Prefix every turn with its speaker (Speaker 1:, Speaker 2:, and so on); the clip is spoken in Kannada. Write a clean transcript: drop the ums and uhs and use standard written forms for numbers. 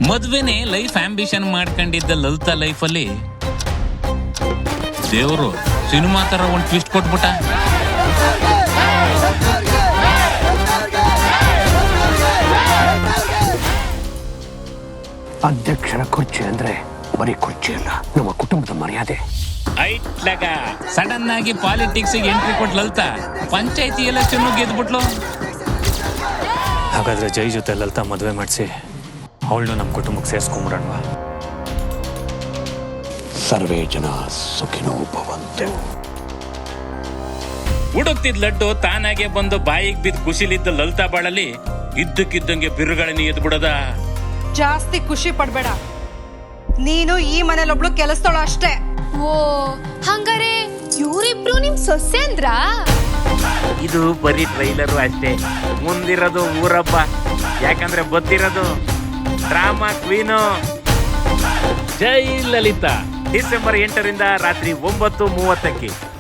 Speaker 1: ಮದ್ವೆನೆ ಲೈಫ್ ಆಂಬಿಷನ್ ಮಾಡ್ಕೊಂಡಿದ್ದ ಲಲಿತಾ ಲೈಫಲ್ಲಿ ದೇವರು ಸಿನಿಮಾ ತರ ಒಂದು ಟ್ವಿಸ್ಟ್ ಕೊಟ್ಬಿಟ್ಟ.
Speaker 2: ಅಧ್ಯಕ್ಷರ ಕುರ್ಚಿ ಅಂದ್ರೆ ಬರೀ ಕುರ್ಚಿ ಅಲ್ಲ, ನಮ್ಮ ಕುಟುಂಬದ ಮರ್ಯಾದೆ.
Speaker 1: ಸಡನ್ ಆಗಿ ಪಾಲಿಟಿಕ್ಸ್ ಎಂಟ್ರಿ ಕೊಟ್ಟು ಲಲಿತಾ ಪಂಚಾಯತಿ ಎಲೆಕ್ಷನ್ ಗೆದ್ಬಿಟ್ಲು.
Speaker 3: ಹಾಗಾದ್ರೆ ಜೈ ಜೊತೆ ಲಲಿತಾ ಮದುವೆ ಮಾಡಿಸಿ ಅವಳನ್ನು ನಮ್ಮ ಕುಟುಂಬಕ್ಕೆ ಸೇರಿಸ್ಕೊಂಬಿಡೋಣವಾ?
Speaker 2: ಸರ್ವೇ ಜನ ಸುಖಿನೋ ಭವಂತು.
Speaker 1: ಹುಡುಕ್ತಿದ್ ಲಡ್ಡು ತಾನಾಗೆ ಬಂದು ಬಾಯಿಗೆ ಬಿದ್ದು ಖುಷಿಲಿದ್ದ ಲಲಿತಾ ಬಾಳಲ್ಲಿ ಇದ್ದಕ್ಕಿದ್ದಂಗೆ ಬಿರುಗಳನ್ನ ಎದ್ದು ಬಿಡದ.
Speaker 4: ಜಾಸ್ತಿ ಖುಷಿ ಪಡ್ಬೇಡ, ನೀನು ಈ ಮನೇಲೊಬ್ಳು ಕೆಲಸದೋಳು ಅಷ್ಟೇ.
Speaker 5: ಓ ಹಂಗಾರೆ ಇವರಿಬ್ರು ನಿಮ್ ಸೊಸೆ ಅಂದ್ರ?
Speaker 1: ಇದು ಬರೀ ಟ್ರೈಲರು ಅಷ್ಟೇ, ಮುಂದಿರೋದು ಊರಬ್ಬ. ಯಾಕಂದ್ರೆ ಗೊತ್ತಿರೋದು drama queen Jai Lalitha. December 8ರಿಂದ ರಾತ್ರಿ 9:30ಕ್ಕೆ.